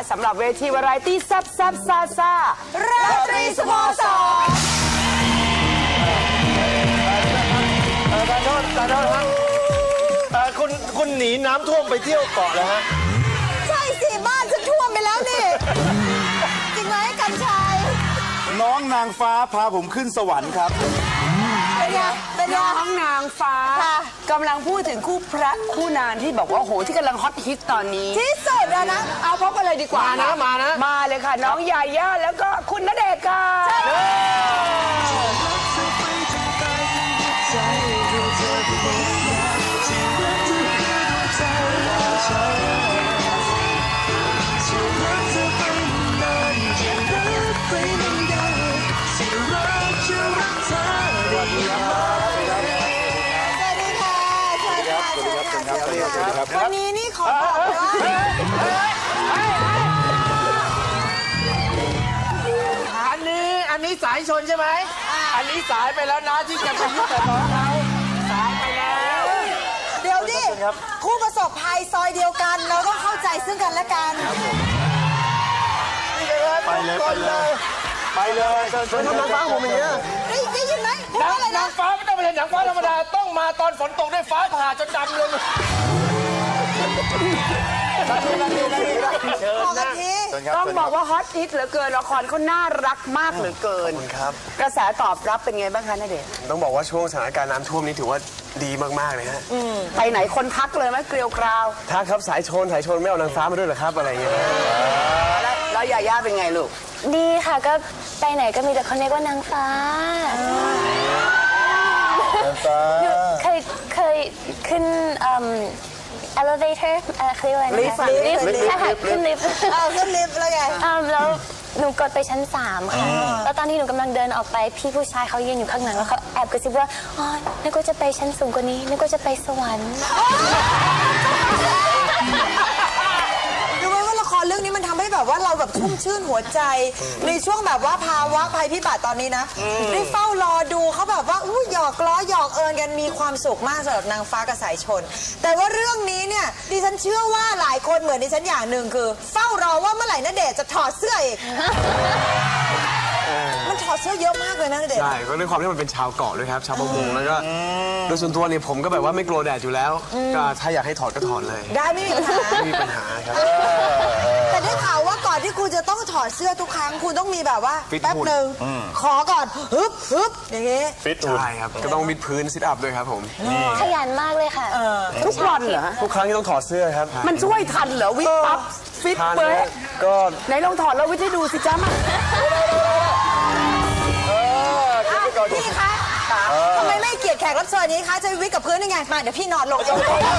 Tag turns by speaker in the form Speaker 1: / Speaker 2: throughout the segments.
Speaker 1: สำหรับเวทีวาไรตี้แซ่บซ่าราตรีสโมสร
Speaker 2: ขอโทษครับคุณหนีน้ำท่วมไปเที่ยวเกาะเลยฮะ
Speaker 3: ใช่สิบ้านฉันท่วมไปแล้วนี่จริงไหมกันชัย
Speaker 4: น้องนางฟ้าพาผมขึ้นสวรรค์ครับ
Speaker 3: เป็น
Speaker 1: น้องนางฟ้ากำลังพูดถึงคู่พระคู่นางที่บอกว่าโหที่กำลังฮอตฮิตตอนนี้
Speaker 3: ที่สุดแล้วนะ
Speaker 1: เอาพบกันเลยดีกว่ามาเลยค่ะน้องยาย่าแล้วก็คุณณเดชน์ค่ะ
Speaker 3: วันนี้นี่ขอบอกว่า
Speaker 2: อันนี้สายชนใช่ไหมอันนี้สายไปแล้วนะที่จะไปยุ่งกับน้องเขาสายไปแล้ว
Speaker 3: เดี๋ยวดิคู่ประสบภัยซอยเดียวกันเราต้องเข้าใจซึ่งกันและกัน
Speaker 4: ไปเลยชวนน้องฟ้าผมอย่างเงี้ย
Speaker 3: ได้ยินไหม
Speaker 2: นางฟ้าไม่ต้องเป็นนางฟ้าธรรมดาต้องมาตอนฝนตกด้วยฟ้าผ่าจนดำเลย
Speaker 1: ต้องบอกว่าฮอตฮิตเหลือเกินละครเขาน่ารักมากเหลือเกิน
Speaker 5: ครับ
Speaker 1: กระแสตอบรับเป็นไงบ้างคะณเดชน์
Speaker 5: ต้องบอกว่าช่วงสถานการณ์น้ำท่วมนี้ถือว่าดีมากๆเลยฮะ
Speaker 1: ไปไหนคนทักเลยไหมเกลียวกราว
Speaker 5: ทักครับสายชนไม่เอานางฟ้ามาด้วยเหรอครับอะไรเงี้ย
Speaker 1: แล้วยาย่าเป็นไงลูก
Speaker 6: ดีค่ะก็ไปไหนก็มีแต่คนเรียกว่านางฟ้าเคยขึ้นelevator เขาเรียกว่าอะไรนะคะลิฟต์ใช่ค่ะขึ้นลิฟต์
Speaker 3: ขึ้นลิฟต์แล้วไง
Speaker 6: แล้วหนูกดไปชั้น3ค่ะแล้วตอนที่หนูกำลังเดินออกไปพี่ผู้ชายเขายืนอยู่ข้างหลังแล้วเขาแอบกระซิบว่าอ๋อนึกว่าจะไปชั้นสูงกว่านี้นึกว่าจะไปสวรรค์
Speaker 3: ดูไหมว่าละครเรื่องนี้มันทำให้แบบว่าเราแบบชุ่มชื่นหัวใจในช่วงแบบว่าภาวะภัยพิบัติตอนนี้นะได้เฝ้ารอดูเขาแบบว่าหยอกล้อหยอกเอิญกันมีความสุขมากสำหรับนางฟ้ากับสายชนแต่ว่าเรื่องนี้เนี่ยดิฉันเชื่อว่าหลายคนเหมือนดิฉันอย่างหนึ่งคือเฝ้ารอว่าเมื่อไหร่ณเดชน์จะถอดเสื้ออีกมันถอดเสื้อเยอะมากเลยนะณเดชน์
Speaker 5: ใช่ก็ด้วยความที่มันเป็นชาวเกาะด้วยครับชาวประมงแล้วก็โดยส่วนตัวเนี่ยผมก็แบบว่าไม่กลัวแดดอยู่แล้วก็ถ้าอยากให้ถอดก็ถอดเลย
Speaker 3: ได้ไม่มีปัญหา
Speaker 5: ไม่มีปัญหาครับ
Speaker 3: แต่ได้ข่าวว่าก่อนที่คุณจะต้องถอดเสื้อทุกครั้งคุณต้องมีแบบว่าแป๊บหนึ่งขอก่อนฮึบอย่างงี้
Speaker 4: ฟิตหุ่น
Speaker 5: ใช่ครับก็ต้องวิดพื้นซิทอัพด้วยครับผม
Speaker 6: ขยันมากเลยค่ะ
Speaker 1: ทุกวันเหรอ
Speaker 5: ทุกครั้งที่ต้องถอดเสื้อครับ
Speaker 1: มันช่วยทันเหรอวิดปั๊บฟิตเป๊ะ
Speaker 5: ก็
Speaker 1: ไหนลองถอดแล้ววิดให้ดูสิจ้ามา
Speaker 3: พี่คะทำไมไม่เกียรติแขกรับเชิญนี้คะจะวิดกับพื้นยังไงมาเดี๋ยวพี่นอนลงเอง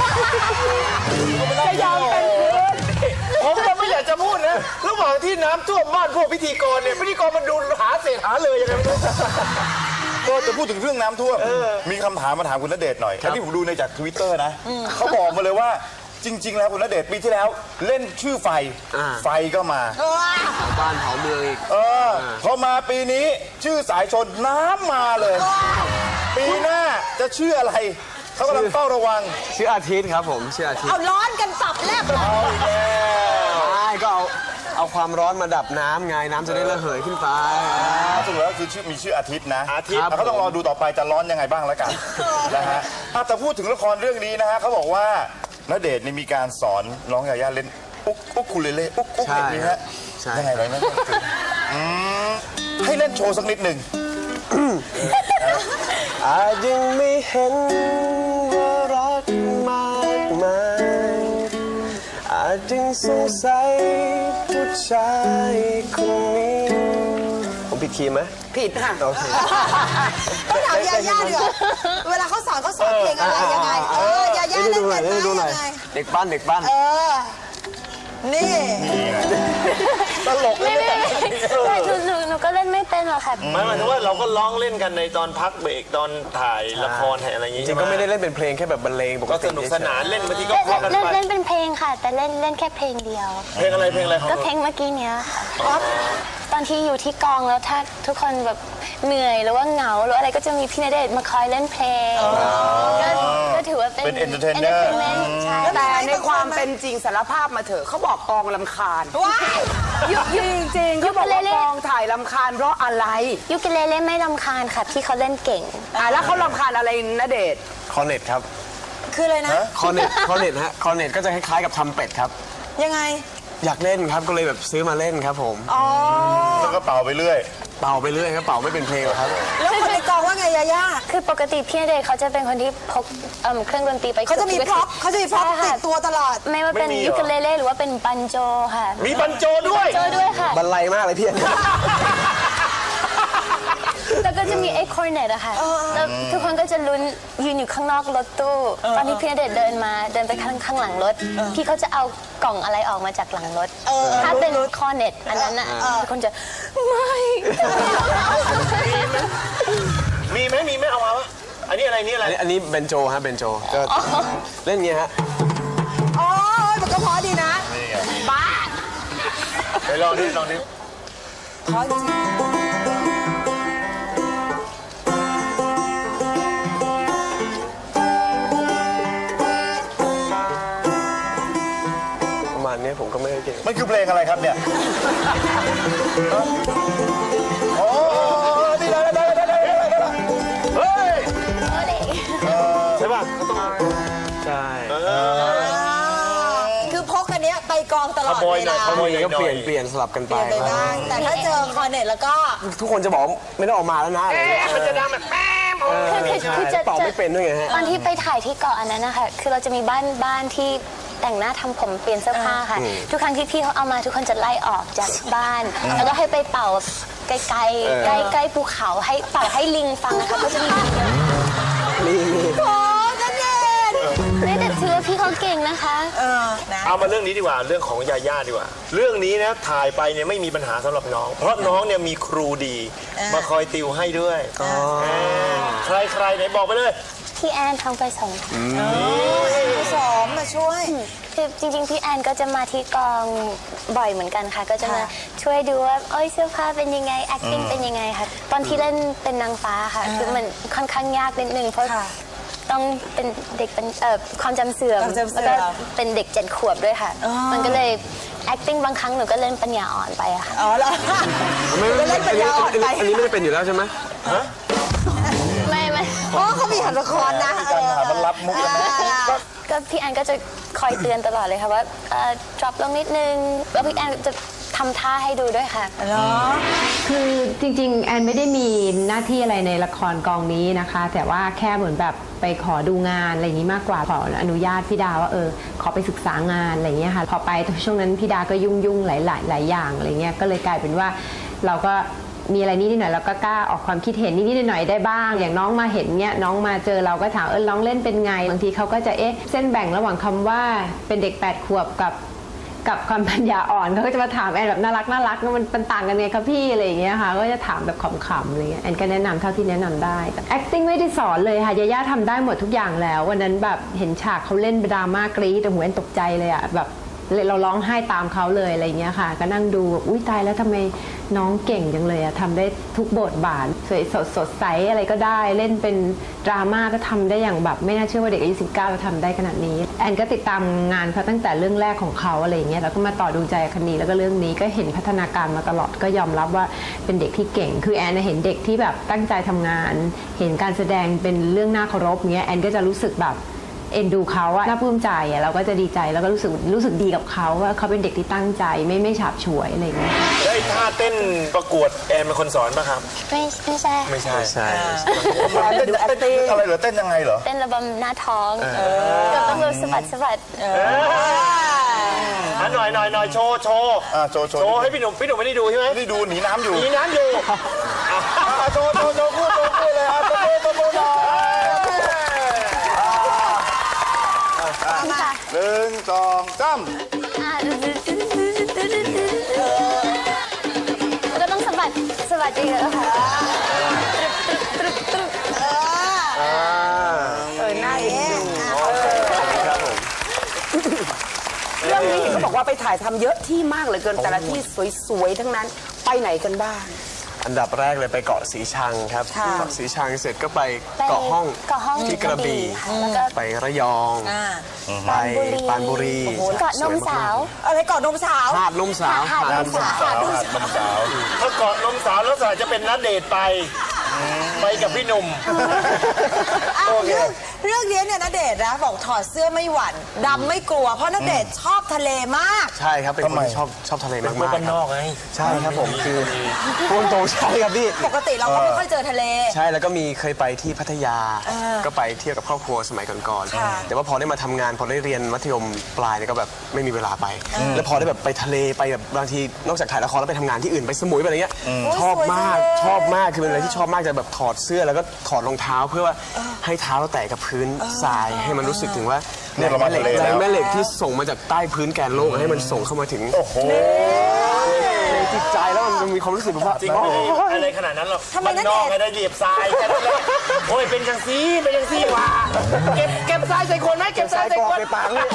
Speaker 1: จะยอมเป็นพื้น
Speaker 2: ผมก็ไม่อยากจะพูดนะระหว่างที่น้ำท่วมบ้านพวกพิธีกรเนี่ยพิธีกรมันดูหาเศษหาเลยยังไงไม่รู้
Speaker 4: ก็จะพูดถึงเรื่องน้ำท่วมมีคำถามมาถามคุณณเดชน์หน่อยที่ผมดูในจาก Twitter นะเขาบอกมาเลยว่าจริงๆแล้วคุณณเดชน์ปีที่แล้วเล่นชื่อไฟก็มา
Speaker 5: บ้านเผาเมืองอีก
Speaker 4: พอมาปีนี้ชื่อสายชนน้ำมาเลยปีหน้าจะชื่ออะไรเขากำลังเฝ้าระวัง
Speaker 5: ชื่ออาทิตย์ครับผมชื่ออาทิตย์
Speaker 3: เอาร้อนกันตับแลบ
Speaker 5: ใช่ก็เอาความร้อนมาดับน้ำไงน้ำจะได้ระเหยขึ้นไป
Speaker 4: สรุปแล้วคือมีชื่ออาทิตย์นะเขาต้องรอดูต่อไปจะร้อนยังไงบ้างแล้วกันนะฮะแต่พูดถึงละครเรื่องนี้นะฮะเขาบอกว่าณเดชน์มีการสอนน้องยาย่าเล่นอุ๊กคูเลเล่อุ๊กแบบนี้ฮะยังไงไรนะให้เล่นโชว์สักนิดหนึ่ง
Speaker 5: อาจยังไม่เห็นว่ารักมากมายอาจยังสงสัยผู้ชายคนนี้ผมผิดคีย์ไหม
Speaker 1: ผิดค่ะ
Speaker 5: โอเค
Speaker 3: ต้องถามยาย่าดีกว่าเวลาเขาสอนเพลงอะไรยังไงยาย่าเล่นเป็นยังไง
Speaker 5: เด็กบ้าน
Speaker 3: นี่
Speaker 4: ตลกเลย
Speaker 6: หนูก็เล่นไม่เป็นหรอกค่ะ
Speaker 2: หมายถึงว่าเราก็ร้องเล่นกันในตอนพักเบรกตอนถ่ายละครถ่ายอะไรอย่างงี้
Speaker 5: จริงก็ไม่ได้เล่นเป็นเพลงแค่แบบบรรเลงปกติ
Speaker 2: ก็สนุกสนานเล่นบางทีก็
Speaker 6: เล่นเป็นเพลงค่ะแต่เล่นแค่เพลงเดียว
Speaker 2: เพลงอะไร
Speaker 6: ก็เพลงเมื่อกี้เนี้ยตอนที่อยู่ที่กองแล้วถ้าทุกคนแบบเหนื่อยหรือว่าเหงาหรืออะไรก็จะมีพี่ณเดชน์มาคอยเล่นเพลงก็ถือว่าเป็น
Speaker 4: entertainer
Speaker 6: entertainment ใช่
Speaker 1: แต่ในความเป็นจริงสารภาพมาเถอะเขาบอกกองลำคาญ
Speaker 3: ว้าย
Speaker 1: จริงๆเขาบอกว่ากองถ่ายลำคาญเพราะอะไร
Speaker 6: ยูกิเลเล่ไม่รำคาญค่ะพี่เขาเล่นเก่ง
Speaker 1: แล้วเขาลำคาญอะไรณเดชน์
Speaker 5: คอร์เน็ตครับ
Speaker 3: คืออะไรนะ
Speaker 5: คอร์เน็ตฮะคอร์เน็ตก็จะคล้ายๆกับทำเป็ดครับ
Speaker 3: ยังไง
Speaker 5: อยากเล่นครับก็เลยแบบซื้อมาเล่นครับผม
Speaker 4: แล้วก็เป่าไปเรื่อย
Speaker 5: เป่าไปเรื่อยครับเป่าไม่เป็นเพลงหรอกครับ
Speaker 3: แล้วคนในกองว่าไงยาย่า
Speaker 6: คือปกติพี่ณเดชน์เขาจะเป็นคนที่พกเครื่องดนตรีไป
Speaker 3: เขาจะมีพร็อพติดตัวตลอด
Speaker 6: ไม่ว่าเป็นยูกิเลเล่หรือว่าเป็นบันโจค่ะ
Speaker 2: มีบันโจด้วย
Speaker 6: โจด้วยค่ะ
Speaker 5: บันไลมากเลยพี่
Speaker 6: แล้วก็จะมีไอ้คอร์เนตอะค่ะแล้วทุกคนก็จะลุ้นยืนอยู่ข้างนอกรถตู้ตอนที่พี่ณเดชน์เดินไปข้างหลังรถพี่เขาจะเอากล่องอะไรออกมาจากหลังรถถ้าเป็นคอร์เนตอันนั้นอะทุกคนจะไม่
Speaker 2: มีไหมเอามาวะอันนี้อะไรนี่อะไร
Speaker 5: อันนี้เบนโจฮะเบนโจก็เล่นอย่างเงี้ยฮะ
Speaker 3: อ๋อมันก็เพอดีนะ
Speaker 1: บ้า
Speaker 2: ไปลองดิ
Speaker 3: เพราะจริง
Speaker 5: ประมาณเนี้ยผมก็ไม่ได้เก่ง
Speaker 4: มันคือเพลงอะไรครับเนี่ยโอ้นี่ได้เฮ้ย
Speaker 2: ใช่ป่ะ
Speaker 5: ใช่
Speaker 3: คือพกอันเนี้ยไปกองตลอด
Speaker 2: ขโมย
Speaker 3: เว
Speaker 2: หน่อย
Speaker 3: ลา
Speaker 2: ขโมย
Speaker 5: ก็เปลี่ยนสลับกันไป
Speaker 3: เปลี่ยนไปบ้างแต่ถ้าเจอคอร์เน็ตแล้วก็
Speaker 5: ทุกคนจะบอกไม่ต้องออกมาแล้วนะอะไรเงี้ย
Speaker 2: มันจะดังแบบแป๊ม
Speaker 6: คือจะ
Speaker 5: เป่าไม่เป็นด้วยไงฮะ
Speaker 6: ตอนที่ไปถ่ายที่เกาะอันนั้นนะคะคือเราจะมีบ้านที่แต่งหน้าทำผมเปลี่ยนเสื้อผ้าค่ะ ทุกครั้งที่พี่เขาเอามาทุกคนจะไล่ออกจากบ้าน แล้วก็ให้ไปเป่าไกลๆใกล้ภูเขาให้เป่าให้ลิงฟังนะคะก็จะมีลิงเยอะ
Speaker 3: โอ้นั่นเอง
Speaker 6: ไม่แต่ถือว่าพี่เขาเก่งนะคะ
Speaker 3: นะ
Speaker 2: เอามาเรื่องนี้ดีกว่าเรื่องของยาย่าดีกว่า เรื่องนี้นะถ่ายไปเนี่ยไม่มีปัญหาสำหรับน้อง เพราะน้องเนี่ยมีครูดี มาคอยติวให้ด้วยใครไหนบอกไปเลย
Speaker 6: พี่แอนทองไปสอง
Speaker 3: สอมมาช่วย
Speaker 6: คือจริงๆพี่แอนก็จะมาที่กองบ่อยเหมือนกันค่ะ ก็จะมาช่วยดูว่าเอ้ยเสื้อผ้าเป็นยังไง acting เป็นยังไงค่ะ ตอนที่เล่นเป็นนางฟ้าค่ะคือมันค่อนข้างยากนิดนึงเพราะ
Speaker 3: ค่ะ
Speaker 6: ต้องเป็นเด็กเป็นความจำเสื่อม
Speaker 3: ความจำเสื่
Speaker 6: แล้ว
Speaker 3: อม
Speaker 6: ก็เป็นเด็ก7 ขวบด้วยค่ะ มันก็เลย acting บางครั้งหนูก็เล่นปัญญาอ่อนไปอะค่ะ
Speaker 3: อ๋อเหรอ
Speaker 5: ไม่
Speaker 3: เล่นปัญญาอ่อนไป
Speaker 5: อันนี้ไม่ได้เป็นอยู่แล้วใช่ไหม
Speaker 6: ไม่
Speaker 3: อ๋อเขามีหันละครนะ
Speaker 4: การหามันรับมุกกันนะ
Speaker 6: ก็พี่แอนก็จะคอยเตือนตลอดเลยค่ะว่าdrop ลงนิดนึงแล้วพี่แอนจะทำท่าให้ดูด้วยค่ะ
Speaker 7: คือจริงๆ แอนไม่ได้มีหน้าที่อะไรในละครกองนี้นะคะ แต่ว่าแค่เหมือนแบบไปขอดูงานอะไรอย่างนี้มากกว่าขออนุญาตพี่ดาว่าขอไปศึกษางานอะไรอย่างเงี้ยค่ะพอไปช่วงนั้นพี่ดาก็ยุ่งหลายอย่างอะไรเงี้ยก็เลยกลายเป็นว่าเราก็มีอะไรนิดหน่อยเราก็กล้าออกความคิดเห็นนิดหน่อยได้บ้าง อย่างน้องมาเห็นเนี้ยน้องมาเจอเราก็ถามน้องเล่นเป็นไงบางทีเขาก็จะเส้นแบ่งระหว่างคำว่าเป็นเด็ก8 ขวบกับความปัญญาอ่อนเขาก็จะมาถามแอนแบบน่ารักมันต่างกันไงคะพี่อะไรอย่างเงี้ยค่ะก็จะถามแบบขำๆอะไรเงี้ยแอนก็แนะนำเท่าที่แนะนำได้แต่ acting ไม่ได้สอนเลยค่ะยาย่าทำได้หมดทุกอย่างแล้ววันนั้นแบบเห็นฉากเขาเล่นดราม่ากรี๊ดแต่หัวแอนตกใจเลยอะแบบเราร้องไห้ตามเขาเลยอะไรเงี้ยค่ะก็นั่งดูอุ้ยตายแล้วทำไมน้องเก่งจังเลยอะทำได้ทุกบทบาทสดใสอะไรก็ได้เล่นเป็นดราม่าก็ทำได้อย่างแบบไม่น่าเชื่อว่าเด็กอายุ19จะทำได้ขนาดนี้แอนก็ติดตามงานเขาตั้งแต่เรื่องแรกของเขาอะไรอย่างเงี้ยแล้วก็มาต่อดูใจคันนี้แล้วก็เรื่องนี้ก็เห็นพัฒนาการมาตลอดก็ยอมรับว่าเป็นเด็กที่เก่งคือแอนเห็นเด็กที่แบบตั้งใจทำงาน เห็นการแสดงเป็นเรื่องน่าเคารพเงี้ยแอนก็จะรู้สึกแบบเอ็นดูเขาอะน่าปลื้มใจอะเราก็จะดีใจแล้วก็รู้สึกดีกับเขาว่าเขาเป็นเด็กที่ตั้งใจไม่ฉาบฉวยอะไรอย่างเงี้ย
Speaker 2: ได้ท่าเต้นประกวดแอนเป็นคนสอนป่ะครับ
Speaker 6: ไม่ใช่
Speaker 2: ไม่ใช่
Speaker 5: ใช่
Speaker 4: เต้นอะไรเหรอเต้นยังไงเหรอ
Speaker 6: เต้นระบำหน้าท้องก็ต้องแบบสะบัด
Speaker 2: หน่อยโชว์
Speaker 4: โชว์
Speaker 2: ให้พี่หนุ่มไม่ได้ดูใช่ไหม
Speaker 4: นี่ดูหนีน้ำอยู่
Speaker 2: มีน้ำอยู่
Speaker 4: โชว์พูดเลยตบมือหน่อย
Speaker 6: ค่ะ
Speaker 4: 1 2 3
Speaker 6: แล้วก็ต้องสะบัดเยอะๆค่ะ
Speaker 1: น่าเอ็นดูเรื่องนี้เขาบอกว่าไปถ่ายทำเยอะที่มากเหลือเกินแต่ละที่สวยๆทั้งนั้นไปไหนกันบ้าง
Speaker 5: อันดับแรกเลยไปเกาะสีชังครับเกาะสีชังเสร็จก็ไปเกาะห้อง
Speaker 6: เกาะห้อง
Speaker 5: ที่กระบี่
Speaker 6: ค่ะแล้วก็
Speaker 5: ไประยองไปปรานบุรี
Speaker 6: เกาะนมสาว
Speaker 3: อะไรก่อนนมสาว
Speaker 5: หาดนมสาว
Speaker 6: หาดนมสาว
Speaker 4: สาวหนุ่มสาว
Speaker 2: ถ้าเกาะนมสาวแล้วสายจะเป็นนัดเดทไปกับพี่หนุ่ม
Speaker 3: เรื่องนี้เนี่ยณเดชน์นะบอกถอดเสื้อไม่หวั่นดำไม่กลัวเพราะณเดชน์ชอบทะเลมาก
Speaker 5: ใช่ครับเป็นคนที่ชอบทะเลมากๆ
Speaker 2: บ้านนอกไง
Speaker 5: ใช่ครับผมคือพูดตรงใช่ครับพี่
Speaker 3: ปกติเราก็ไม่ค่อยเจอทะเล
Speaker 5: ใช่แล้วก็มีเคยไปที่พัทยาก็ไปเที่ยวกับครอบครัวสมัยก่อน
Speaker 3: ค่ะ
Speaker 5: ๆแต่ว่าพอได้มาทำงานพอได้เรียนมัธยมปลายเนี่ยก็แบบไม่มีเวลาไป แล้วพอได้แบบไปทะเลไปแบบบางทีนอกจากถ่ายละครแล้วไปทำงานที่อื่นไปสมุยไปอะไรเงี้ยชอบมากคือเป็นอะไรที่ชอบมากจะแบบถอดเสื้อแล้วก็ถอดรองเท้าเพื่อว่าให้เท้าเราแตะกับพื้นทรายให้มันรู้สึกถึงว่า
Speaker 4: เนี่ยเรามาทะเลแล้ว
Speaker 5: แรงแม่เหล็กที่ส่งมาจากใต้พื้นแกนโลกให้มันส่งเข้ามาถึง
Speaker 4: โอ้โห
Speaker 5: ในจิตใจแล้วมันมีความรู้สึกแบบว่า
Speaker 2: จริงอะไรขนาดนั้นหรอก
Speaker 3: ทำไม
Speaker 2: บ้าน
Speaker 3: ณเดชน์
Speaker 2: นอกให้ได้เหยียบทรายแค่นั้นแหละโอ้ยเป็นจังซี่ว่ะเก็บทรายใส่คนไหมเก็บทรายใส่คน
Speaker 5: ไปปากเลย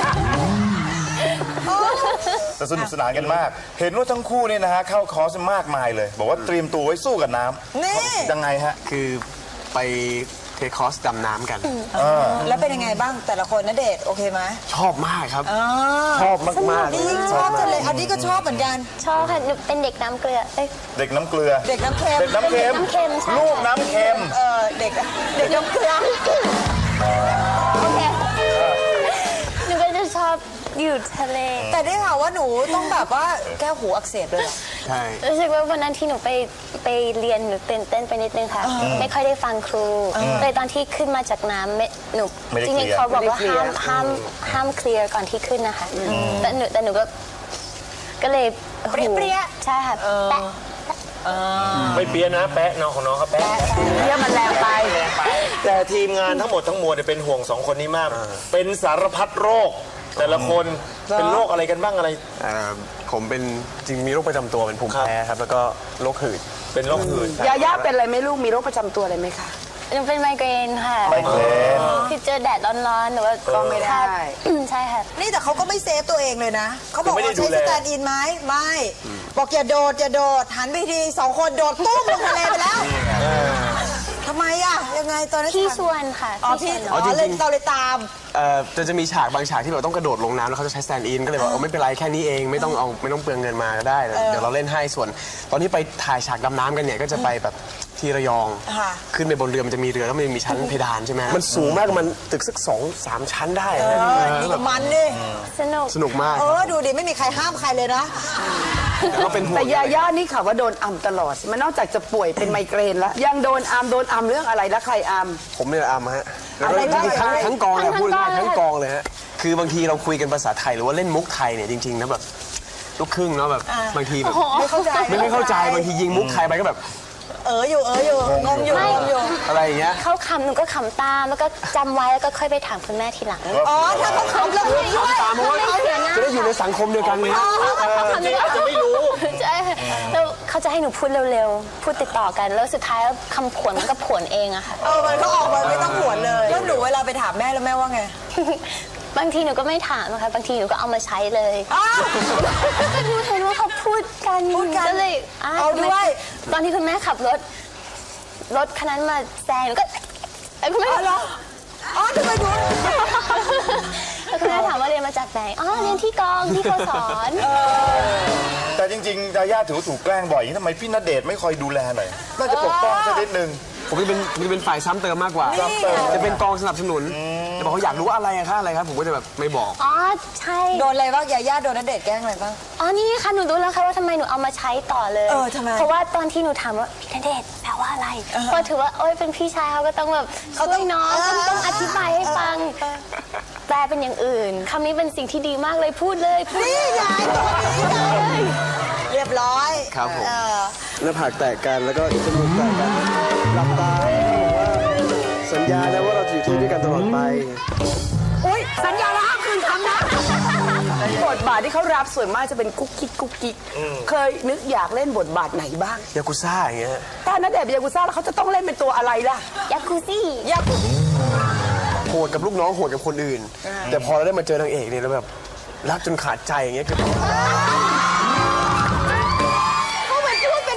Speaker 4: แต่สนุกสนานกันมาก เห็นว่าทั้งคู่เนี่ยนะฮะเข้าคอร์สมากมายเลย บอกว่าเตรียมตัวไว้สู้กับน้ำ
Speaker 3: นี่
Speaker 4: ยังไงฮะ
Speaker 5: คือไปเทคคอร์สดำน้ำกัน
Speaker 3: แล้วเป็นยังไงบ้างแต่ละคนณเดชน์โอเคไหม
Speaker 5: ชอบมากครับ ชอบมากๆ
Speaker 3: นี่ชอบทะเลอันนี้ก็ชอบเหมือนกัน
Speaker 6: ชอบค่ะหนูเป็นเด็กน้ำเกลือเอ้ย
Speaker 4: เด็กน้ำเกลือ
Speaker 3: เด็กน้ำเค็ม
Speaker 4: เด็กน้ำเค็ม
Speaker 6: น้ำเค็มใช่
Speaker 4: ลูกน้ำเค็ม
Speaker 3: เด็กน้ำเกลือ
Speaker 6: โอเคหนูก็จะชอบอยู่ทะเล
Speaker 3: แต่ได้ข่าวว่าหนูต้องแบบว่าแก้วหูอักเสบเลยเหรอ
Speaker 5: ใช่
Speaker 6: รู้สึกว่าวันนั้นที่หนูไปเรียนหนูตื่นเต้นไปนิดนึงค่ะ ไม่ค่อยได้ฟังครูเลยตอนที่ขึ้นมาจากน้ำหนู
Speaker 4: ไม่ได้
Speaker 6: จ
Speaker 4: เคลี
Speaker 6: ริ
Speaker 4: ย
Speaker 6: ง
Speaker 4: ร์
Speaker 6: ๆเขาบอกว่าห้ามเคลียร์ก่อนที่ขึ้นนะคะแต่หนูก็เลย
Speaker 3: เปรี้ยๆ
Speaker 6: ใช่ค่ะแปะ
Speaker 2: ไม่เปี้ยนะแปะน้องของน้องเขาแปะ
Speaker 1: เรียกมันแรงไป
Speaker 2: แต่ทีมงานทั้งหมดทั้งมวลเนี่ยเป็นห่วงสองคนนี้มาก เป็นสารพัดโรค แต่ละคนเป็นโรคอะไรกันบ้างอะไร
Speaker 5: ผมเป็นจริงมีโรคประจำตัวเป็นภูมิแพ้ครับ แล้วก็โรคหืด
Speaker 2: เป็นโรคหืด
Speaker 1: ยาย่าเป็นอะไรไหมลูกมีโรคประจำตัวอะไรไหมคะ
Speaker 6: หนูเป็นไมเกรนค่ะ
Speaker 4: ไมเกรน
Speaker 6: คือเจอแดดร้อนๆหนูว่า
Speaker 1: ก็ไม่ได้
Speaker 6: ใช่ค่ะ
Speaker 3: นี่แต่เขาก็ไม่เซฟตัวเองเลยนะ เขาบอก
Speaker 2: คือไม่ได้
Speaker 3: ว่าใช้
Speaker 2: ดูแล
Speaker 3: สแตนด์อินไหมไม่ บอกอย่าโดดหันไปทีสองคนโดดตุ้มลงทะเลไปแล้วทำไมอ่ะยังไงตอนนั้น
Speaker 6: พี่ชวนค่ะ
Speaker 3: อ๋อพี่
Speaker 6: ชวน
Speaker 3: อ๋อ
Speaker 5: จริงๆ
Speaker 3: เลยเราเลยตาม
Speaker 5: จะมีฉากบางฉากที่แบบต้องกระโดดลงน้ำแล้วเขาจะใช้สแตนด์อินก็เลยบอกไม่เป็นไรแค่นี้เองไม่ต้องเปลืองเงินมาก็ได้เดี๋ยวเราเล่นให้ส่วน ตอนที่ไปถ่ายฉากดำน้ำกันเนี่ยก็จะไปแบบที่ระยอง
Speaker 3: ค่ะ
Speaker 5: ขึ้นไปบนเรือมันจะมีเรือแล้วมันมีชั้นเพดานใช่ไหมมันสูงมากมันตึกสัก2-3 ชั้นได้นะ
Speaker 3: นี่ก็มันดิ
Speaker 6: สนุก
Speaker 5: สนุกมาก
Speaker 3: ดูดิไม่มีใครห้ามใครเลยนะ
Speaker 5: แต่ก็เป็นห่ว
Speaker 1: แต่
Speaker 5: ง
Speaker 1: ยาย่านี่ข่าวว่าโดนอัมตลอดมันนอกจากจะป่วยเป็นไมเกรนแล้วยังโดนอัมเรื่องอะไรแล้วใครอัม
Speaker 5: ผมเนี่ยอามฮะแล้วก็
Speaker 1: อะไร
Speaker 5: จ
Speaker 1: บ้าง
Speaker 5: ริงๆทั้งกองเลย
Speaker 6: ทั้ง
Speaker 5: พูดง่าย
Speaker 6: กอง
Speaker 5: ๆทั้งกองเลยฮะคือบางทีเราคุยกันภาษาไทยหรือว่าเล่นมุกไทยเนี่ยจริงๆนะแบบลูกครึ่งเนาะแบบบางทีแบบ
Speaker 3: ไม่เข้าใจ
Speaker 5: ไม่เข้าใจบางทียิงมุกไทยไปก็แบบ
Speaker 3: อยู่งงอยู่
Speaker 5: อะไรอย่างเงี้ย
Speaker 6: เขาขำหนูก็ขำตามแล้วก็จำไว้แล้วก็ค่อยไปถามคุณแม่ทีหลัง
Speaker 3: อ๋อถ้าเขาขำเราด้วย
Speaker 5: ตามมาว่าจะได้อยู่ในสังคมเดียวกันเลย
Speaker 2: จริงๆอาจจะไม่รู้
Speaker 6: ใช่ค่ะแล้วเขาจะให้หนูพูดเร็วๆ พูดติดต่อกัน แล้วสุดท้ายแล้วคำผวนมันก็ผวนเองอะค่ะ
Speaker 3: มันก็ออกมาไม่ต้องหวนเลยแล้วหนูเวลาไปถามแม่แล้วแม่ว่าไง
Speaker 6: บางทีหนูก็ไม่ถามนะคะบางทีหนูก็เอามาใช้เลย
Speaker 3: อ้าว
Speaker 6: ก็หนูเห็นว่าเขาพูดกัน
Speaker 3: พูดกัน
Speaker 6: ก็เลย
Speaker 3: เอาด้วย
Speaker 6: ตอนที่คุณแม่ขับรถคันนั้นมาแซงหนูก็คุณแม่
Speaker 3: เหรออ๋อทำไมดู
Speaker 6: แล้วคุณแม่ถามว่าเรียนมาจากไหนอ๋อเรียนที่กองที่เขาสอน
Speaker 4: แต่จริงๆยาย่าถือว่าถูกแกล้งบ่อยอย่างนี้ทำไมพี่ณเดชน์ไม่คอยดูแลหน่อยน่าจะปกป้องสักนิดนึง
Speaker 5: ผมจะเป็นฝ่ายซ้ำเติมมากกว่า จะเป็นกองสนับสนุนจะบอกเขาอยากรู้ว่าอะไรอะคะอะไรครับผมก็จะแบบไม่บอก
Speaker 6: อ๋อใช่
Speaker 3: โดนอะไรบ้างยาย่าโดนณเดชน์แกล้งอะไรบ้าง
Speaker 6: อ๋อนี่ค่ะหนูรู้แล้วค่ะว่าทำไมหนูเอามาใช้ต่อเลย
Speaker 3: ทำไม
Speaker 6: เพราะว่าตอนที่หนูถามว่าพี่ณเดชน์แปลว่าอะไรเพราะถือว่าโอ๊ยเป็นพี่ชายเขาก็ต้องแบบช่วยน้องต้องอธิบายให้ฟังแปลเป็นอย่างอื่นคำนี้เป็นสิ่งที่ดีมากเลยพูดเลยพูด
Speaker 3: นี่ยายตัวนี้เลยเรียบร้อย
Speaker 5: ครับผม
Speaker 3: เออ
Speaker 5: หน้าผากแตกกันแล้วก็จมูกแตกกันหลับตาบอกว่าสัญญาแล้วว่าเราจะอยู่ที่นี่ด้วยกันตลอดไป
Speaker 1: อุ้ยสัญญาแล้วห้ามคืนคำนะบทบาทที่เขารับส่วนมากจะเป็นกุ๊กกิ๊กเคยนึกอยากเล่นบทบาทไหนบ้าง
Speaker 5: ยากุซ่าอย่างเงี้ย
Speaker 1: ถ้าณเดชน์เป็นยากุซ่าแล้วเขาจะต้องเล่นเป็นตัวอะไรล่ะ
Speaker 6: ยากูซี่
Speaker 5: โหดกับลูกน้องโหดกับคนอื่น แต่พอเราได้มาเจอนางเอกเนี่ยเราแบบรักจนขาดใจอย่างเงี้ยคือ
Speaker 3: เขาเหมือนพูด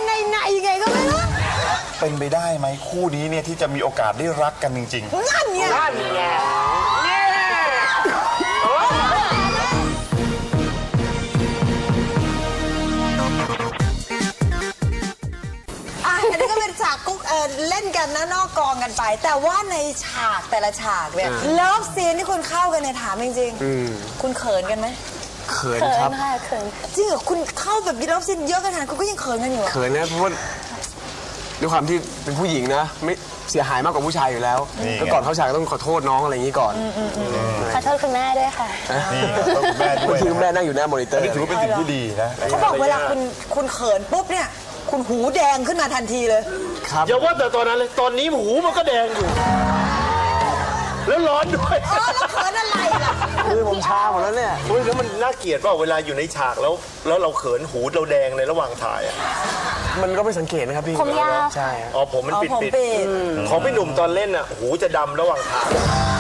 Speaker 4: เป็นไปได้ไหมคู่นี้เนี่ยที่จะมีโอกาสได้รักกันจริงๆ
Speaker 3: นั่นไง
Speaker 2: นั่นไงนี่
Speaker 3: อันนี้ก็เป็นฉากกุ๊กเล่นกันนะนอกกองกันไป แต่ว่าในฉากแต่ละฉากเนี่ยเลิฟซีนที่คุณเข้ากันเนี่ยถามจริงๆคุณเขินกันไหม
Speaker 5: เขิน
Speaker 6: เขิ
Speaker 5: ครับ
Speaker 6: นค่ะเขิน
Speaker 3: จริงเหรอคุณเข้าแบบเลิฟซีนเยอะขนาดนั้นคุณก็ยังเขินกันอยู่เหรอ
Speaker 5: เขินนะเพราะว่าด้วยความที่เป็นผู้หญิงนะไม่เสียหายมากกว่าผู้ชายอยู่แล้วก็ก่อนเข้าฉากก็ต้องขอโทษน้องอะไรอย่างนี้ก่อน
Speaker 6: ขอโทษคุณแม่ด้วยค่ะ
Speaker 4: นี่ต้องคุณแม่ด้
Speaker 5: บา
Speaker 4: วย
Speaker 5: งทีคุณแม่นั่งอยู่หน้ามอนิเตอร์
Speaker 4: นี่ถือว่าเป็นสิ่งที่ดีนะ
Speaker 3: เขาบอกเวลาคุณเขินปุ๊บเนี่ยคุณหูแดงขึ้นมาทันทีเลย
Speaker 5: ครับ
Speaker 2: อย่าว่าแต่ตอนนั้นเลยตอนนี้หูมันก็แดงอยู่ แล้วร้อนด้วย
Speaker 3: แล้วเขินอะไรล่ะ
Speaker 5: คือผมชาหมดแล้วเนี่ย
Speaker 2: เฮ้ยแล้วมันน่าเกลียดเปล่าเวลาอยู่ในฉากแล้วเราเขินหูเราแดงในระหว่างถ่ายอ่ะ
Speaker 5: มันก็ไม่สังเกตนะครับพี่
Speaker 6: ผมยาว
Speaker 5: ใช่ครับ
Speaker 2: อ๋อผมมันปิด
Speaker 3: ผม
Speaker 2: ปิด
Speaker 3: ปิด
Speaker 2: ของพี่หนุ่มตอนเล่นอ่ะหูจะดำระหว่างถ่าย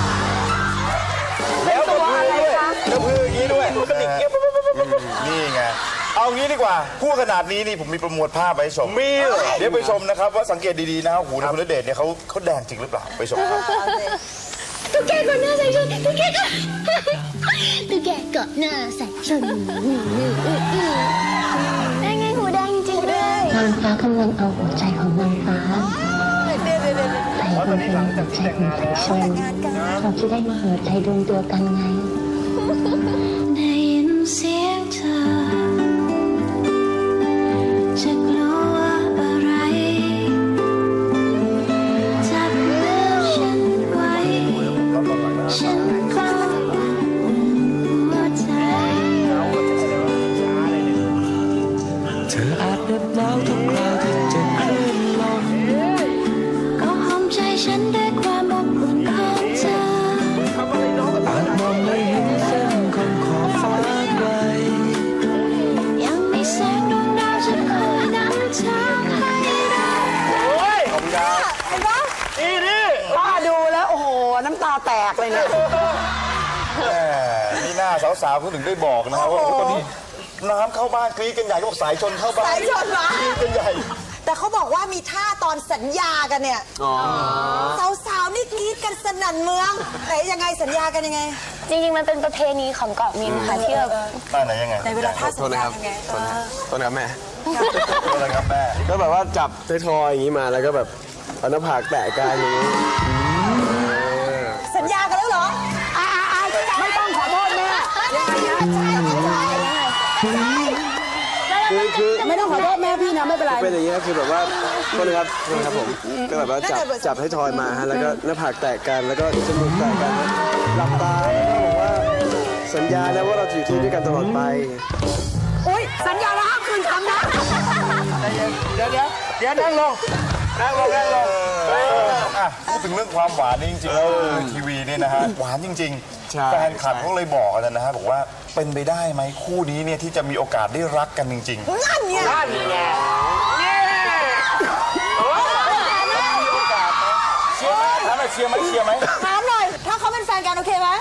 Speaker 2: แล้วก็มือด้วยแล้วมืออย่างนี้ด้วยมันก็ดิกเงี้ย
Speaker 4: นี่ไงเอางี้ดีกว่าพูดขนาดนี้นี่ผมมีประมวลภาพไปให้ชม
Speaker 2: มีเหรอ
Speaker 4: เดี๋ยวไปชมนะครับว่าสังเกตดีๆนะครับหูของคุณณเดชน์เนี่ยเขาแดงจริงหรือเปล่าไปชมครับ
Speaker 8: ตุ๊กแกเกาะหน้าใส่ชนตุ๊กแกเกาะตุ๊กแกเกาะหน้าใส่ชน
Speaker 6: ได้ไงหูแดงจริงๆด้วย
Speaker 8: นางฟ้ากำลังเอาหัวใจของนางฟ้าใส่ลงไปในหัวใจของสายชนเราจะได้มาหัวใจรวมตัวกันไง ได้ยินเสียงเธอจะกลัวอะไรจับมือฉันไว้ฉันก็หัวใจ
Speaker 5: เธออาจเหน็บหนาวทุกคราวที่เจ็บคลื่นลม
Speaker 8: ก็หอมใจฉันด้วยความอบอุ่นของเธอ
Speaker 5: อาจมองไม่เห็นเส้นของขอบฟ้าไกล
Speaker 8: ยังมีแสงดวงดาวจะคอยนำทางให้เรา
Speaker 3: เห็นปะ
Speaker 2: นี่
Speaker 1: ป้าดูแล้วโอ้โหน้ำตาแตกเลยเนี่ย
Speaker 4: แหมนี่หน้าสาวๆเขาถึงได้บอกนะครับว่าตอนนี้น้ำเข้าบ้านกรี๊ดกันใหญ่ก็บอกสายชนเข้าบ้าน
Speaker 3: สายชนเหรอ
Speaker 4: กรี๊ดกันใหญ่
Speaker 3: แต่เขาบอกว่ามีท่าตอนสัญญากันเนี่ยสาวๆนี่กรี๊ดกันสนั่นเมืองไหนยังไงสัญญากันยังไง
Speaker 6: จริงๆมันเป็นประเพณีของเกาะมินค่ะที่แบบ
Speaker 4: บ้านไหนยังไง
Speaker 3: ในเวลาท่า
Speaker 5: โท
Speaker 3: สั
Speaker 5: ษ
Speaker 3: ญ
Speaker 5: นะ
Speaker 3: ญา
Speaker 5: ครับ
Speaker 3: ยังไง
Speaker 5: โทษนะครับแม่
Speaker 4: โทษนะครับแม่
Speaker 5: ก็แบบว่าจับไททอยอย่างนี้มาแล้วก็แบบเอาหน้าผากแตะกันอย่างนี้
Speaker 3: สัญญากันแล้วเหรอ
Speaker 1: ไม่ต้องขอโทษแม่ยังไงนะ
Speaker 5: คือ
Speaker 1: ไม่ต้องขอโทษแม่พี่นะไม่เป็นไร
Speaker 5: เป็นอย่างนี้คือแบบว่าโทษนะครับผมก็แบบว่าจับไททอยมาฮะแล้วก็หน้าผากแตะกันแล้วก็จมูกแตะกันหลับตาแล้วก็บอกว่าสัญญานะว่าเราจะอยู่ที่ด้วยกันตลอดไป
Speaker 1: อุ้ยสัญญาแล้วห้ามคืนคำนะ
Speaker 2: เดี๋ยวนั่งลง
Speaker 4: อ่ะพูดถึงเรื่องความหวานนี่จริงๆแล้วทีวีเนี่ยนะฮะหวานจริง
Speaker 5: ใช่
Speaker 4: ๆแฟนคลับเขาเลยบอกกันนะฮะบอกว่าเป็นไปได้ไหมคู่นี้เนี่ยที่จะมีโอกาสได้รักกันจริงๆ
Speaker 3: นั่นไง
Speaker 2: นั่นไงนี่
Speaker 4: เชียร์ไหมเชียร์ไหม
Speaker 3: ถามหน่อย ถ้าเขาเป็นแฟนกันโอเคไหม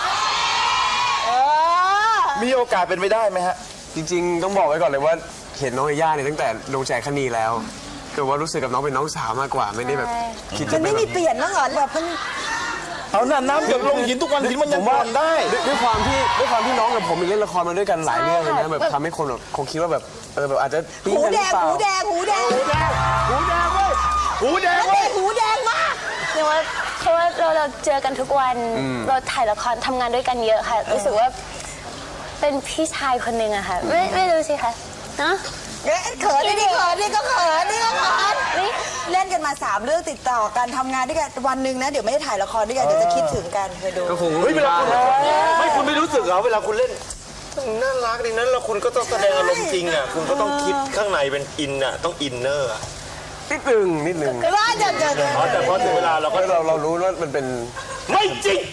Speaker 4: มีโอกาสเป็นไปได้ไหมฮะ
Speaker 5: จริงๆต้องบอกไว้ก่อนเลยว่าเห็นน้องยาย่าเนี่ยตั้งแต่ลงแจกคณีแล้วคือว่ารู้สึกกับน้องเป็นน้องสาวมากกว่าไม่ได้แบบคิด
Speaker 3: มั
Speaker 5: จะ
Speaker 3: น
Speaker 5: เป็
Speaker 3: ไม่
Speaker 5: นแบ
Speaker 3: มี
Speaker 5: บ
Speaker 3: เปลี่ยนบ้างเหรอแบบมัน
Speaker 4: เอาน้ำหยดลงหินทุกวันหินมันยังก่อนได้
Speaker 5: ด้วยความที่น้องกับผมมีเล่นละครมาด้วยกันหลายเรื่องเลยนะแบบทำให้คนแบบคงคิดว่าแบบแบบอาจจะปิ๊ง
Speaker 3: หู
Speaker 5: กันห
Speaker 3: แด
Speaker 5: รือง เปล่า
Speaker 3: หูแดงหูแดง
Speaker 2: หูแดงเว้ยหูแดง
Speaker 3: แล้ว
Speaker 2: เว้
Speaker 3: เด็
Speaker 2: ย
Speaker 3: กหูแดงมาก
Speaker 6: เพราะว่าเราเจอกันทุกวันเราถ่ายละครทำงานด้วยกันเยอะค่ะรู้สึกว่าเป็นพี่ชายคนหนึ่งอะค่ะไม่รู้สิคะเนาะ
Speaker 3: เขินนี่เขินนี่ก็เขินนี่ก็เขินเล่นกันมา3เรื่องติดต่อกันทำงานด้วยกันวันหนึ่งนะเดี๋ยวไม่ได้ถ่ายละครด้วยกันเดี๋ยวจะคิดถึงกันเคยดู
Speaker 5: ก็คง
Speaker 2: เฮ้ยเวลาคุณไม่รู้สึกเหรอเวลาคุณเล่นน่ารักดีนั้นแล้วคุณก็ต้องแสดงอารมณ์จริงอ่ะคุณก็ต้องคิดข้างในเป็นอินอ่ะต้องอินเนอร์
Speaker 5: นิดนึง
Speaker 3: ก็ว่าจะ
Speaker 2: อ๋อแต่พอถึงเวลาเราก็
Speaker 5: เรารู้ว่ามันเป็น
Speaker 2: ไม่จริง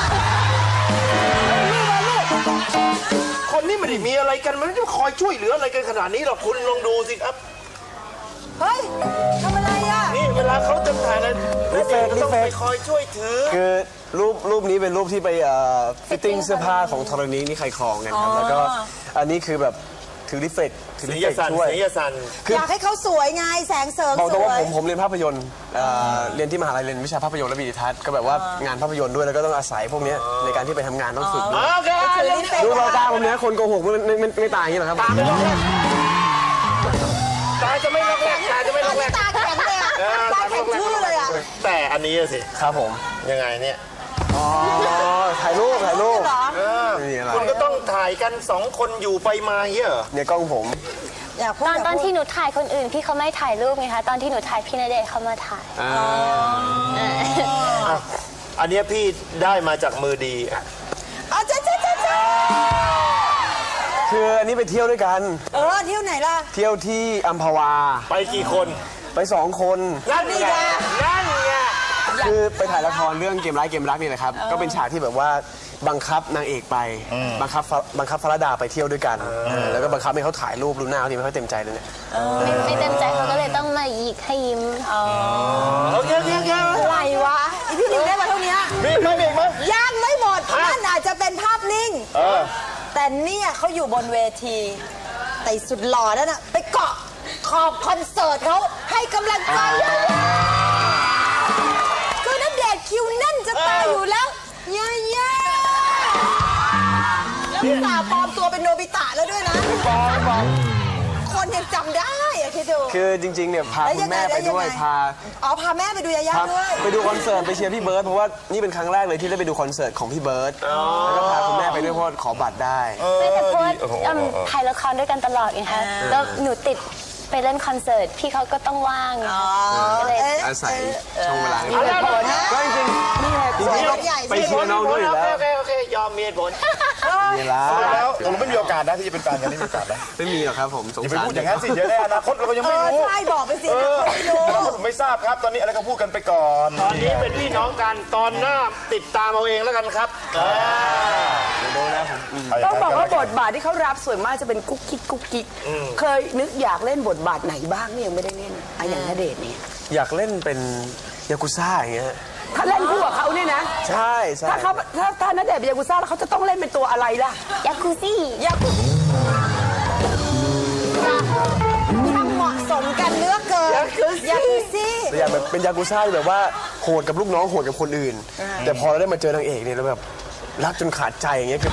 Speaker 2: คนนี้ไม่ได้มีอะไรกันมันไม่ได้คอยช่วยเหลืออะไรกันขนาดนี้หรอกคุณลองดูสิครับ
Speaker 3: เฮ้ยทำอะไรอ่ะ
Speaker 2: นี่เวลาเขาจะถ่ายอะไรนี่เองก็ต้องไปคอยช่วยถือ
Speaker 5: คือรูปนี้เป็นรูปที่ไปฟิตติ้งเสื้อผ้าของธรณีนี่ใครครองกันครับแล้วก็อันนี้คือแบบถือรีเฟก
Speaker 2: เสียงยาสัน
Speaker 5: ช่วย
Speaker 2: เสียงยาสัน
Speaker 3: อยากให้เขาสวยไงแสงเสริม
Speaker 5: บอก
Speaker 3: ส
Speaker 5: ตรง
Speaker 3: ว
Speaker 5: ว่าย ผมเรียนภาพยนตร์เรียนที่มหาลัยเรียนวิชาภาพยนตร์และวิดีทัศน์ก็แบบว่างานภาพยนตร์ด้วยแล้วก็ต้องอาศัยพวกเนี้ยในการที่ไปทำงานต้องฝึกด้วย
Speaker 2: โอเค
Speaker 3: ถือรีเฟก
Speaker 5: ดูเบาตาผมเนี้ยคนโกหกไม่ตายอย่างนี้หรอครับ
Speaker 2: ตาจะไม่ลอกแรกตาจะไม่ลอกแรก
Speaker 3: ตาแข็งเลยอะตาแข็งชื่อเลยอะ
Speaker 2: แต่อันนี้สิ
Speaker 5: ครับผม
Speaker 2: ยังไงเนี่ย
Speaker 5: อ๋อถ่ายรูป
Speaker 3: เหรอ
Speaker 5: ไม่มีอะไร
Speaker 2: คุณก็ต้องถ่ายกันสองคนอยู่ไปมาเงี้ยเหรอ
Speaker 5: เนี่ยกล้องผม
Speaker 3: อยากพูด
Speaker 6: ตอนที่หนูถ่ายคนอื่นพี่เขาไม่ถ่ายรูปไงคะตอนที่หนูถ่ายพี่ณเดชน์เขามาถ่าย
Speaker 2: อันเนี้ยพี่ได้มาจากมือดีอ่ะ
Speaker 3: อ๋อจ้า
Speaker 5: คืออันนี้ไปเที่ยวด้วยกัน
Speaker 3: เที่ยวไหนล่ะ
Speaker 5: เที่ยวที่อัมพวา
Speaker 2: ไปกี่คน
Speaker 5: ไป2 คน
Speaker 2: นั่นไงนั่นไง
Speaker 5: คือไปถ่ายละครเรื่องเกมร้ายเกมรักนี่แหละครับก็เป็นฉากที่แบบว่าบังคับนางเอกไปบังคับฟรดาไปเที่ยวด้วยกันแล้วก็บังคับให้เขาถ่ายรูปรูปหน้าเขาทีไม่ค่อยเต็มใจเลยเนี่ย
Speaker 6: ไม่เต็มใจเขาก็เลยต้องมาหยิกให้ยิ้ม
Speaker 2: โอเค
Speaker 3: อะไรวะอีพี่หลิวได้มาเท่านี้
Speaker 2: มีไหมมีไหม
Speaker 3: ยังไม่หมดนั่นอาจจะเป็นภาพนิ่งแต่เนี่ยเขาอยู่บนเวทีแต่สุดหล่อนั่นน่ะไปเกาะขอบคอนเสิร์ตเขาให้กำลังใจคือณเดชน์คิวแน่นจะตายอยู่แล้วย่าแล้วพี่สาวปลอมตัวเป็นโนบิตะแล้วด้วยนะคนยังจำได้อะคิดดู
Speaker 5: คือจริงๆเนี่ยพาคุณแม่ไปด้วยพา
Speaker 3: พาแม่ไปดูยาย่าด้วย
Speaker 5: ไปดูคอนเสิร์ตไปเชียร์พี่เบิร์ดเพราะว่านี่เป็นครั้งแรกเลยที่ได้ไปดูคอนเสิร์ตของพี่เบิร์ดแล้วก็พาคุณแม่ไปด้วยเพราะขอบัตรได้
Speaker 6: ไม่แต่เพราะว่าถ่ายละครด้วยกันตลอดไงคะแล้วหนูติดไปเล่นคอนเสิร์ตพี่เขาก็ต้องว่างก็เลย
Speaker 5: อาศัยช่วงเวลา
Speaker 3: มีเหตุผลนะ
Speaker 5: ก็จริงๆนี่ไงจริงๆไปเชียร์น้องด้วยอยู่แล้ว
Speaker 2: โอเคยอมมีเหตุผล
Speaker 5: นี่ละ
Speaker 4: แล้วตกลงไม่มีโอกาสนะที่จะเป็นแฟนกันไม่มีโอกาสนะ
Speaker 5: ไม่มีหรอกครับผมสง
Speaker 4: อย่าไป
Speaker 5: สาร
Speaker 4: พูดอย่างนั้นสิเดี๋ยวในอนาคตเรายังไม่รู้
Speaker 3: ใช่บอกไปสิเขาไม่รู้
Speaker 4: ผมไม่ทราบครับตอนนี้อะไรก็พูดกันไปก่อน
Speaker 2: ตอนนี้เป็นพี่น้องกันตอนหน้าติดตามเอาเองแล้วกันครับ
Speaker 1: ต้องบอกว่าบทบาทที่เขารับส่วนมากจะเป็นกุ๊กกิ๊กเคยนึกอยากเล่นบทบาทไหนบ้างเนี่ยยังไม่ได้เล่นอย่างณเดชน์เนี่ย
Speaker 5: อยากเล่นเป็นยากุซ่าอย่างเงี้ย
Speaker 1: ถ้าเล่นคู่กับเขาเนี่ยนะ
Speaker 5: ใช่ใช่
Speaker 1: ถ้าณเดชน์เป็นยากุซ่าแล้วเขาจะต้องเล่นเป็นตัวอะไรล่ะ
Speaker 6: ยาคูซี่
Speaker 3: ช่างเหมาะสมกันเลือกเกินยาคูซี่
Speaker 5: แต่อยากแบบเป็นยากุซ่าที่แบบว่าโหดกับลูกน้องโหดกับคนอื่น แต่พอเราได้มาเจอนางเอกเนี่ยเราแบบรักจนขาดใจอย่างเงี้ยคือ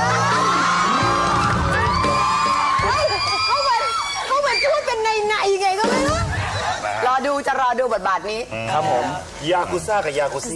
Speaker 3: เขาเหมือนพูดเป็นในไงก็ไม่รู้
Speaker 1: รอดูบทบาทนี้
Speaker 5: ครับผม
Speaker 2: ยากุซ่ากับยากุซี่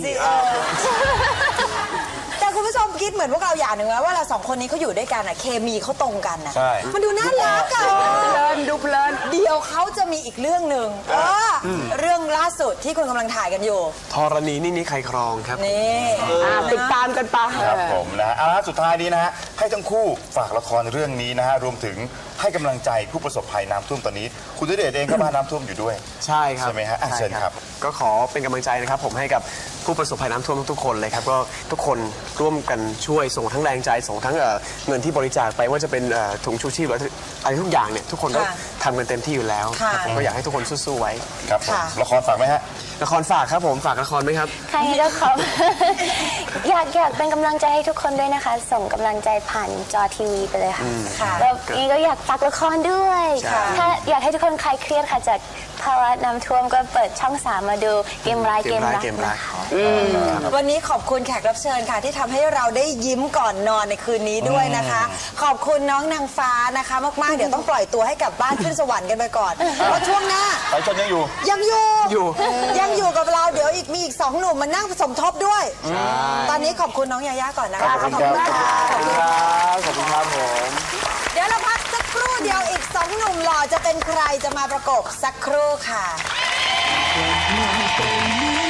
Speaker 3: แต่คุณผู้ชมคิดเหมือนพวกเราอย่างหนึ่งไหมว่าเราสองคนนี้เขาอยู่ด้วยกันอะเคมีเขาตรงกันอะ
Speaker 4: ใช่
Speaker 3: มันดูน่ารักอะ
Speaker 1: ดูเพลิน
Speaker 3: เดี๋ยวเขาจะมีอีกเรื่องหนึ่งเรื่องล่าสุดที่คุณกำลังถ่ายกันอยู่
Speaker 5: ธรณีนี่ใครครองครับ
Speaker 3: นี่
Speaker 1: ติดตามกันไป
Speaker 4: ครับผมนะฮะเอาละสุดท้ายนี้นะฮะให้ทั้งคู่ฝากละครเรื่องนี้นะฮะรวมถึงให้กำลังใจผู้ประสบภัยน้ำท่วมตอนนี้คุณณเดชน์เองก็มาน้ำท่วมอยู่ด้วย
Speaker 5: ใช่ครับ
Speaker 4: ใช่ไหมฮะอ่ะเชิญครับ
Speaker 5: ก็ขอเป็นกำลังใจนะครับผมให้กับผู้ประสบภัยน้ำท่วมทุกๆคนเลยครับก็ทุกคนร่วมกันช่วยส่งทั้งแรงใจส่งทั้งเงินที่บริจาคไปว่าจะเป็นถุงชูชีพหรืออะไรทุกอย่างเนี่ยทุกคนก็ทำกันเต็มที่อยู่แล้วครับผมก็อยากให้ทุกคนสู้ๆไว้
Speaker 4: ครับผมละครฝากไหมฮะ
Speaker 5: ละครฝากครับผมฝากละครไหมครับ
Speaker 6: ใครก็ขอ อยากเป็นกำลังใจให้ทุกคนด้วยนะคะ ส่งกำลังใจผ่านจอทีวีไปเลยค่ะแล้วนี่ก็อยากฝากละครด้วย ถ้าอยากให้ทุกคนคลายเครียดค่ะจากภาวะน้ำท่วมก็เปิดช่อง 3 มาดูเกมร้ายเกมรักนะคะ
Speaker 3: วันนี้ขอบคุณแขกรับเชิญค่ะ ที่ทำให้เราได้ยิ้มก่อนนอนในคืนนี้ด้วยนะคะ ขอบคุณน้องนางฟ้านะคะมากๆเดี๋ยวต้องปล่อยตัวให้กลับบ้านขึ้นสวรรค์กันไปก่อนเพราะช่วงหน้า
Speaker 4: สายชนยังอยู่
Speaker 3: ยังอยู่กับเราเดี๋ยวมีอีก2 หนุ่มมานั่งสมทบด้วย ตอนนี้ขอบคุณน้องยาย่าก่อนนะคะ
Speaker 4: ขอบคุณครับ
Speaker 5: ขอบคุณครับขอบคุณครับผม
Speaker 3: เดี๋ยวเราพักสักครู่เดียวอีก2 หนุ่มหล่อจะเป็นใครจะมาประกบสักครู่ค่ะ